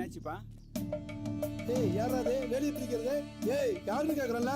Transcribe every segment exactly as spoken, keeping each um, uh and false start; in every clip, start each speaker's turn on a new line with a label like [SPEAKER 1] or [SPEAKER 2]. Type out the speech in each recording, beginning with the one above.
[SPEAKER 1] என்னாச்சுப்பா?
[SPEAKER 2] ஏய் யாரா அது வெளிய பிடிக்கிறது? ஏய் யாருன்னு கேக்குறல்ல?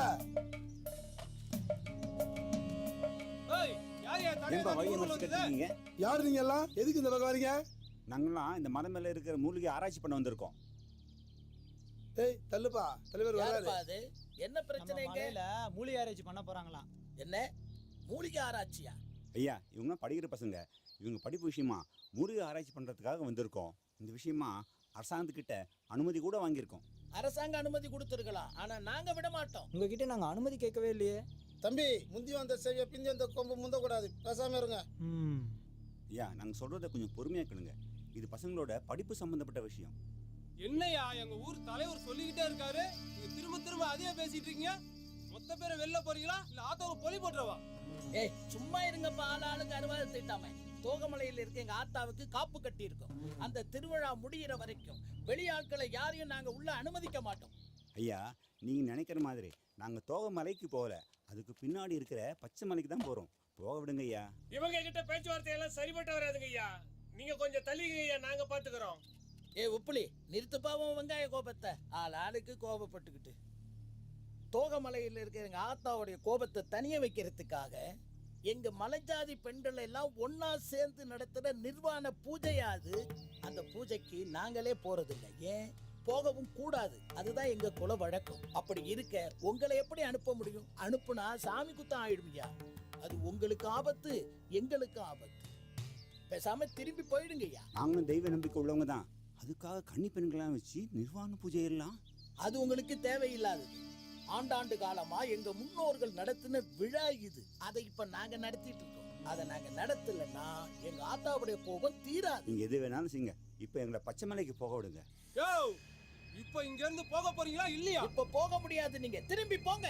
[SPEAKER 3] ஏய் யார் யார் தடை
[SPEAKER 1] ஏன்பா வழியை மறைச்சு கட்டிட்டீங்க?
[SPEAKER 2] யார் நீங்க எல்லாம்? எதுக்கு இந்த பக்கம் வரீங்க?
[SPEAKER 1] நாங்களாம் இந்த மலை மேல இருக்கிற மூலிகை ஆராய்ச்சி பண்ண வந்திருக்கோம்.
[SPEAKER 2] ஏய் தள்ளுப்பா, தலைவர் வராரு.
[SPEAKER 4] யாருப்பா அது? என்ன பிரச்சனைங்க?
[SPEAKER 5] மலையில மூலிகை ஆராய்ச்சி பண்ண போறாங்களாம்.
[SPEAKER 4] என்ன மூலிகை ஆராய்ச்சியா?
[SPEAKER 1] ஐயா, இவங்க படிக்கிற பசங்க. இவங்க படிப்பு விஷயமா மூலிகை ஆராய்ச்சி பண்றதுக்காக வந்திருக்கோம். இந்த விஷயமா அரசாங்கத்துக்கிட்ட அனுமதி கூட வாங்கியிருக்கோம்.
[SPEAKER 4] அரசாங்க அனுமதி கொடுத்துருக்கலாம், ஆனா நாங்க விட மாட்டோம்.
[SPEAKER 5] உங்ககிட்ட நாங்க அனுமதி கேட்கவே இல்லையே.
[SPEAKER 2] தம்பி, முந்தி வந்த செவிய பிந்தி வந்த கொம்பு முந்த கூடாது. பேசாம இருங்க.
[SPEAKER 5] ம்.
[SPEAKER 1] ஐயா, நாங்க சொல்றத கொஞ்சம் பொறுமையா கேளுங்க. இது பசங்களோட படிப்பு சம்பந்தப்பட்ட விஷயம்.
[SPEAKER 3] என்னையா எங்க ஊர் தலைவர் சொல்லிக்கிட்டே இருக்காரு, நீங்க திரும்ப திரும்ப அதே பேசிட்டு இருக்கீங்க. மொத்த பேரை வெளில போறீங்களா இல்ல ஆத்தாவை பொலி போட்டுறவா?
[SPEAKER 4] ஏய் சும்மா இருங்கப்பா, ஆள் ஆளுக்கு அறுவாதை திட்டாம. தோகமலையில் இருக்க எங்க ஆத்தாவுக்கு காப்பு கட்டி இருக்கும். அந்த திருவிழா முடிகிற வரைக்கும் வெளியாட்களை யாரையும் நாங்க உள்ள அனுமதிக்க மாட்டோம்.
[SPEAKER 1] ஐயா, நீங்க நினைக்கிற மாதிரி நாங்க தோகை மலைக்கு போகல. அதுக்கு பின்னாடி இருக்கிற பச்சை மலைக்கு தான் போறோம். போக விடுங்க ஐயா.
[SPEAKER 6] இவங்க கிட்ட பேச்சுவார்த்தை எல்லாம் சரிபட்டு வராதுங்க ஐயா. நீங்க கொஞ்சம் தள்ளிங்க ஐயா, நாங்க பாத்துக்கிறோம்.
[SPEAKER 4] ஏ உப்புளி, நிறுத்துப்பாவும் வெங்காய கோபத்தை. ஆள் ஆளுக்கு கோபப்பட்டுக்கிட்டு. தோகமலையில் இருக்கிற எங்க ஆத்தாவுடைய கோபத்தை தனிய வைக்கிறதுக்காக எங்க மலைஜாதி பெண்கள் எல்லாம் ஒன்னா சேர்ந்து நடத்துற நிர்வாண பூஜையாது. அந்த பூஜைக்கு நாங்களே போறதில்லை. ஏன் போகவும் கூடாது. அதுதான் எங்க குல வழக்கம். அப்படி இருக்க உங்களை எப்படி அனுப்ப முடியும்? அனுப்புனா சாமி குத்தம் ஆயிடுமையா. அது உங்களுக்கு ஆபத்து, எங்களுக்கு ஆபத்து. பேசாம திரும்பி போயிடுங்கய்யா.
[SPEAKER 1] நாங்களும் தெய்வ நம்பிக்கை உள்ளவங்க தான். அதுக்காக கன்னி பெண்களாம் வச்சு நிர்வாண பூஜை எல்லாம்
[SPEAKER 4] அது உங்களுக்கு தேவையில்லாதது. ஆண்டாண்டு காலமா எங்க முன்னோர்கள் நடத்தின விழா இது. அதை இப்ப நாங்க நடத்திட்டு இருக்கோம். அதை நாங்க நடத்தலன்னா எங்க ஆத்தாவுடைய கோபம் தீராது.
[SPEAKER 1] நீங்க எது வேணாலும் செய்யுங்க. இப்ப எங்களை பச்சை மலைக்கு போக விடுங்க.
[SPEAKER 3] யோ, இப்போ இங்க இருந்து போக போறீங்களா இல்லையா?
[SPEAKER 4] இப்ப போக முடியாது, நீங்க திரும்பி போங்க.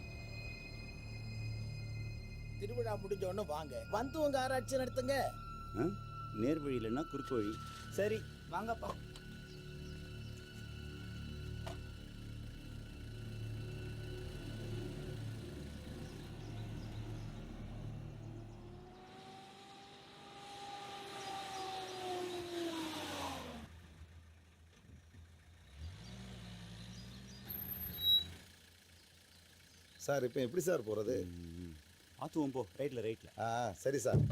[SPEAKER 4] திருவிழா முடிஞ்ச உடனே வாங்க, வந்து உங்க ஆராய்ச்சி நடத்துங்க.
[SPEAKER 1] நேர் வழி இல்லைன்னா குறுக்கு வழி.
[SPEAKER 5] சரி வாங்கப்பா.
[SPEAKER 2] சார் இப்போ எப்படி சார் போறது?
[SPEAKER 1] ஆத்துவோம் போ. ரைட்ல ரைட்ல.
[SPEAKER 2] ஆ சரி சார்.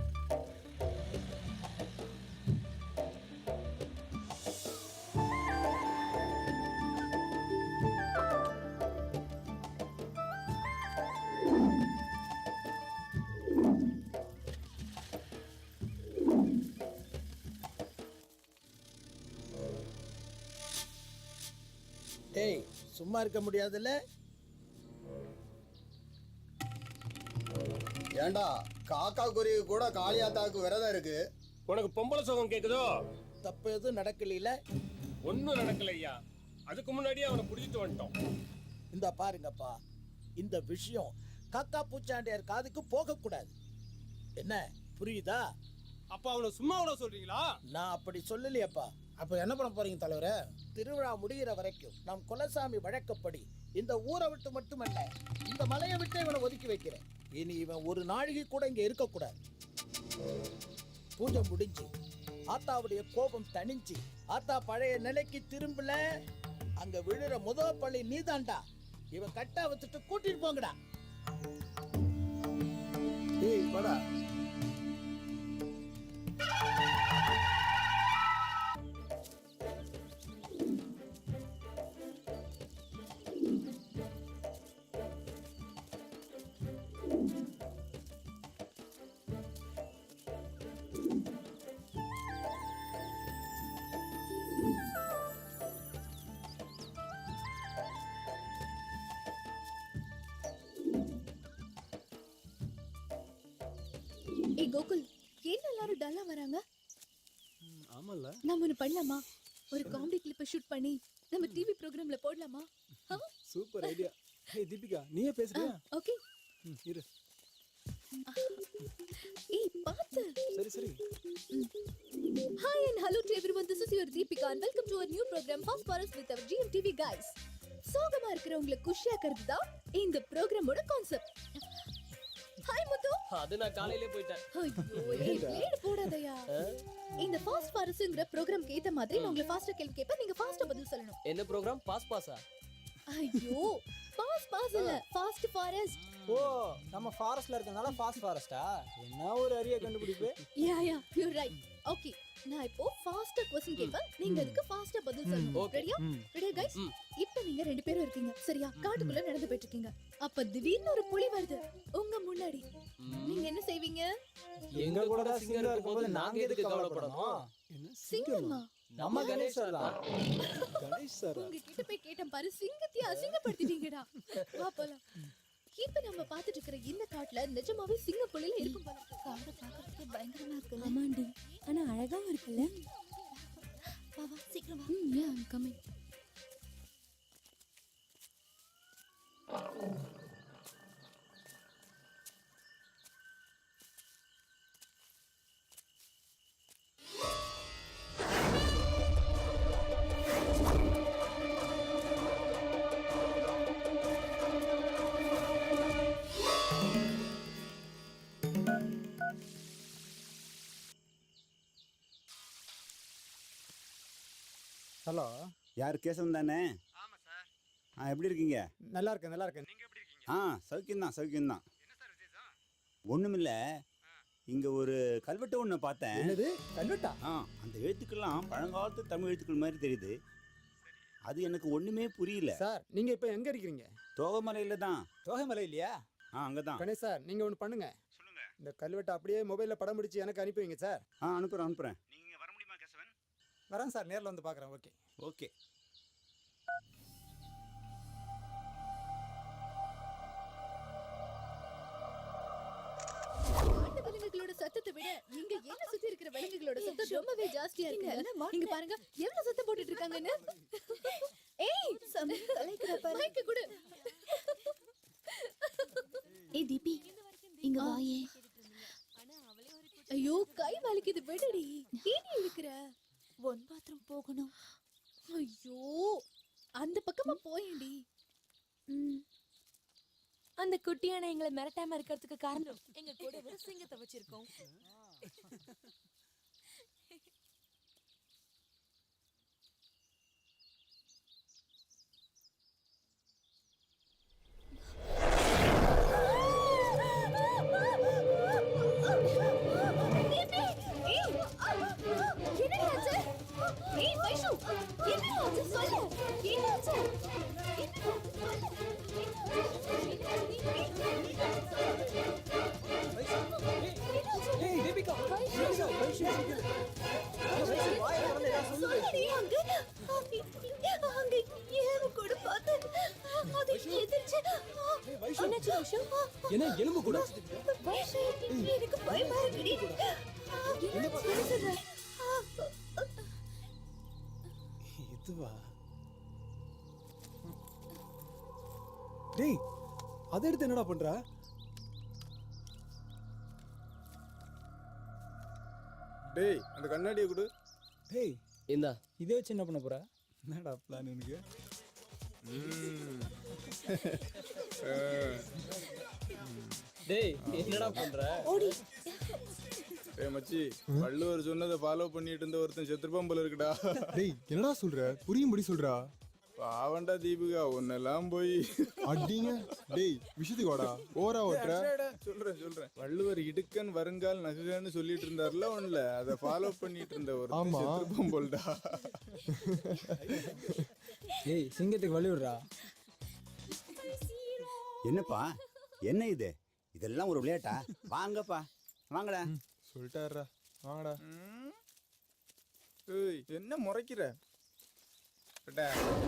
[SPEAKER 4] டேய் சும்மா இருக்க முடியாதுல்ல?
[SPEAKER 2] ஏண்டா காக்கா குருவி கூட காளியாத்தாவுக்கு விரதம் இருக்கு.
[SPEAKER 6] உனக்கு பொம்பளை சோகம் கேக்குதோ?
[SPEAKER 4] தப்பு எதுவும் நடக்கல.
[SPEAKER 6] ஒன்னும் நடக்கல ஐயா. அதுக்கு முன்னாடியே அவனை புடிச்சிட்டு வந்துட்டோம்.
[SPEAKER 4] இந்த பாருங்கப்பா, இந்த விஷயம் காக்கா பூச்சாண்டியார் காதுக்கு போக கூடாது. என்ன புரியுதா?
[SPEAKER 3] அப்ப அவனை சும்மா விட சொல்றீங்களா?
[SPEAKER 4] நான் அப்படி சொல்லலையப்பா.
[SPEAKER 2] அப்ப என்ன பண்ண போறீங்க தலைவரே?
[SPEAKER 4] திருவிழா முடிகிற வரைக்கும் நம் குலசாமி வழக்கப்படி இந்த ஊரை விட்டு மட்டுமல்ல, இந்த மலையை விட்டு இவனை ஒதுக்கி வைக்கிறேன். இனி இவன் ஒரு நாழிகை கூட இங்க இருக்கக்கூடாது. பூஜை முடிஞ்சு ஆத்தாவுடைய கோபம் தணிஞ்சு ஆத்தா பழைய நிலைக்கு திரும்பல, அங்க விழுற முதல் பள்ளி நீதாண்டா. இவன் கட்டா வச்சுட்டு கூட்டிட்டு போங்கடா.
[SPEAKER 2] ஏய் வாடா.
[SPEAKER 7] ஏய் கோகுல், ஏன் எல்லாரும் டல்லா வராங்க?
[SPEAKER 5] ஆமால.
[SPEAKER 7] நாம ஒன்னு பண்ணலாமா? ஒரு காமெடி கிளிப்பை ஷூட் பண்ணி நம்ம டிவி ப்ரோகிராம்ல போடலாமா?
[SPEAKER 5] Super idea. ஹே தீபிகா, நீயே பேசுறியா?
[SPEAKER 7] ஓகே.
[SPEAKER 5] ம் இரு.
[SPEAKER 7] ஏய் பாத்து.
[SPEAKER 5] சரி சரி.
[SPEAKER 7] Hi and hello to everyone. This is your Deepika and welcome to our new program Fast Forest with our G M T V guys. சோகமா இருக்கிறவங்களை குஷியாக்குறது தான் இந்த ப்ரோக்ராமோட கான்செப்ட். ஹாய் முத்து.
[SPEAKER 3] அது நான் காலையிலே போயிட்டேன்.
[SPEAKER 7] ஐயோ ஏய் பிளேட் போடாதயா. இந்த ஃபாஸ்ட் ஃபாரஸ்ட்ங்கற ப்ரோகிராம்க்கு ஏத்த மாதிரி நான் உங்களை ஃபாஸ்டா கேள்வி கேட்பேன், நீங்க ஃபாஸ்டா பதில் சொல்லணும்.
[SPEAKER 3] என்ன ப்ரோகிராம்? பாஸ் பாஸா?
[SPEAKER 7] ஐயோ பாஸ் பாஸ் இல்ல ஃபாஸ்ட் ஃபாரஸ்ட்.
[SPEAKER 5] ஓ நம்ம ஃபாரஸ்ட்ல இருக்கனால ஃபாஸ்ட் ஃபாரஸ்டா? என்ன ஒரு அரிய கண்டுபிடிப்பு.
[SPEAKER 7] Yeah yeah you right. Okay நான் இப்போ ஃபாஸ்டா क्वेश्चन கேட்பேன், நீங்க அதுக்கு ஃபாஸ்டா பதில் சொல்லணும். ரெடியா? ரெடியா गाइस? இப்போ நீங்க ரெண்டு பேரும் இருக்கீங்க சரியா? காட்டுக்குள்ள நடந்து போயிட்டு இருக்கீங்க. அப்ப திடீர்னு ஒரு புலி வருது உங்க முன்னாடி. நீங்க என்ன செய்வீங்க?
[SPEAKER 5] எங்க கூட தான் சிங்கர் இருக்கும்போது நாங்க எதுக்கு கவலைப்படணும்?
[SPEAKER 7] சிங்கமா?
[SPEAKER 5] நம்ம கணேஷ் சார் தான். கணேஷ் சார்
[SPEAKER 7] உங்க கிட்ட போய் கேட்டேன் பாரு, சிங்கத்தை அசிங்கப்படுத்திட்டீங்கடா. வா போலாம். இப்ப நம்ம பாத்துட்டு இருக்கிற இந்த காட்டுல நிஜமாவே சிங்க புலில இருக்கும் போல இருக்கு. காடு பார்க்கிறதுக்கு பயங்கரமா இருக்குல்ல?
[SPEAKER 8] ஆமாண்டி, ஆனா அழகாவும் இருக்குல்ல?
[SPEAKER 7] வா வா சீக்கிரம் வா.
[SPEAKER 8] ம் யா ஐம் கமிங்.
[SPEAKER 5] ஹலோ,
[SPEAKER 1] யார் கேசவன் தானே?
[SPEAKER 6] ஆமா சார்.
[SPEAKER 1] ஆ எப்படி இருக்கீங்க?
[SPEAKER 5] நல்லா இருக்கேன் நல்லா இருக்கேன்.
[SPEAKER 6] நீங்க எப்படி இருக்கீங்க?
[SPEAKER 1] ஆ சௌக்கியம்தான் சௌக்கியம்தான்.
[SPEAKER 6] என்ன சார் விசேஷம்?
[SPEAKER 1] ஒண்ணுமில்ல, இங்க ஒரு கல்வெட்டு ஒன்று பார்த்தேன்.
[SPEAKER 5] என்னது கல்வெட்டா?
[SPEAKER 1] ஆ அந்த எழுத்துக்கள்லாம் பழங்காலத்து தமிழ் எழுத்துக்கள் மாதிரி தெரியுது. அது எனக்கு ஒண்ணுமே புரியல.
[SPEAKER 5] சார் நீங்க இப்ப எங்க இருக்கீங்க?
[SPEAKER 1] தோகமலையில தான்.
[SPEAKER 5] தோகைமலை இல்லையா?
[SPEAKER 1] ஆ அங்கதான்.
[SPEAKER 5] கணேஷ் சார் நீங்க ஒன்று பண்ணுங்க.
[SPEAKER 6] சொல்லுங்க.
[SPEAKER 5] இந்த கல்வெட்டை அப்படியே மொபைல்ல படம் பிடிச்சி எனக்கு அனுப்பி வைங்க சார்.
[SPEAKER 1] ஆ அனுப்புறேன் அனுப்புறேன்.
[SPEAKER 6] நீங்க வர முடியுமா கேசவன்?
[SPEAKER 5] வரேன் சார், நேர்ல வந்து பார்க்குறேன். Okay
[SPEAKER 1] okay.
[SPEAKER 7] காட்டு விலங்குகளோட சத்தத்தை விட இங்க என்ன சுத்தி இருக்கிற விலங்குகளோட சத்தம் ரொம்பவே ஜாஸ்தியா இருக்கு. இங்க பாருங்க எவ்வளவு சத்தம் போட்டுட்டு இருக்காங்கன்னு. ஏய் சம கலைக்கிற பாரு. மைக்க கொடு.
[SPEAKER 8] ஏய் தீபி, இங்க வாயே.
[SPEAKER 7] ஐயோ கை வலிக்குது விடுடி. ஏன் இருக்கிற?
[SPEAKER 8] ஒன் பாத்ரூம் போகணும்.
[SPEAKER 7] ஐயோ அந்த பக்கமா போயேண்டி.
[SPEAKER 8] ம். அந்த குட்டியான எங்களை மிரட்டாம இருக்கிறதுக்கு காரணம் எங்க கூட ஒரு சிங்கத்தை வச்சிருக்கோம்.
[SPEAKER 5] ஏய் தீபிகா, வைஷு வைஷு
[SPEAKER 7] சொல்லடி அங்க அங்க ஏன் கூட பார்த்து அது எதிர்ச்சு.
[SPEAKER 8] என்னாச்சு வைஷு?
[SPEAKER 5] என்ன எலும்பு கூட?
[SPEAKER 7] வைஷு எனக்கு பயமா இருக்குடி. என்ன சொல்ற?
[SPEAKER 5] இதுவா? டேய் அதை எடுத்து என்னடா பண்ற?
[SPEAKER 9] டேய் அந்த கண்ணாடியை கொடு.
[SPEAKER 5] டேய்
[SPEAKER 3] இந்தா.
[SPEAKER 5] இதே வச்சு என்ன பண்ண போற? என்னடா பிளான் உனக்கு?
[SPEAKER 3] டேய் என்னடா பண்ற?
[SPEAKER 7] ஓடி.
[SPEAKER 9] டேய் மச்சி, வள்ளுவர் சொன்னதை ஃபாலோ பண்ணிட்டு இருந்த ஒருத்தன் செத்துருப்பான் போல இருக்குடா.
[SPEAKER 10] டேய் என்னடா சொல்ற? புரியும்படி சொல்றா.
[SPEAKER 9] பாவண்டா தீபிகா, உன்னெல்லாம் போய்
[SPEAKER 10] அடிங்க. டேய் விஷயத்துக்கு வாடா, ஓரா ஓட்டுற.
[SPEAKER 9] சொல்றேன் சொல்றேன். வள்ளுவர் இடுக்கன் வருங்கால் நகுகன்னு சொல்லிட்டு இருந்தாருல ஒண்ணுல, அதை ஃபாலோ பண்ணிட்டு இருந்த ஒருத்தன்
[SPEAKER 10] ஆமா.
[SPEAKER 9] செத்துருப்பான் போல்டா.
[SPEAKER 5] ஏய் சிங்கத்துக்கு வழி விடுறா.
[SPEAKER 1] என்னப்பா என்ன இது? இதெல்லாம் ஒரு விளையாட்டா? வாங்கப்பா வாங்கடா.
[SPEAKER 10] சொல்லிட்டாரா, வாங்கடா.
[SPEAKER 9] ம். ஏய் என்ன முறைக்கிற? அடா.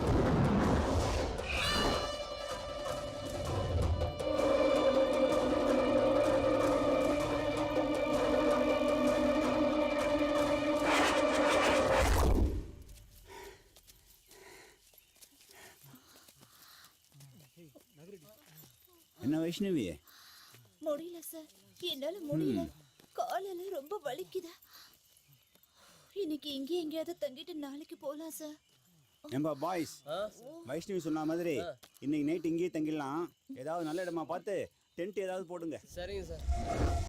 [SPEAKER 1] என்ன வைஷ்ணவி?
[SPEAKER 7] முடியல சார், என்னால முடியல. காலெல்லாம் ரொம்ப வலிக்குது. இன்னைக்கு இங்கே எங்கேயாவது தங்கிட்டு நாளைக்கு போலாம் சார்.
[SPEAKER 1] ஏம்பா பாய்ஸ், வைஷ்ணவி சொன்ன மாதிரி இன்னைக்கு நைட் இங்கேயே தங்கிடலாம். ஏதாவது நல்ல இடமா பார்த்து டென்ட் ஏதாவது போடுங்க.
[SPEAKER 3] சரிங்க சார்.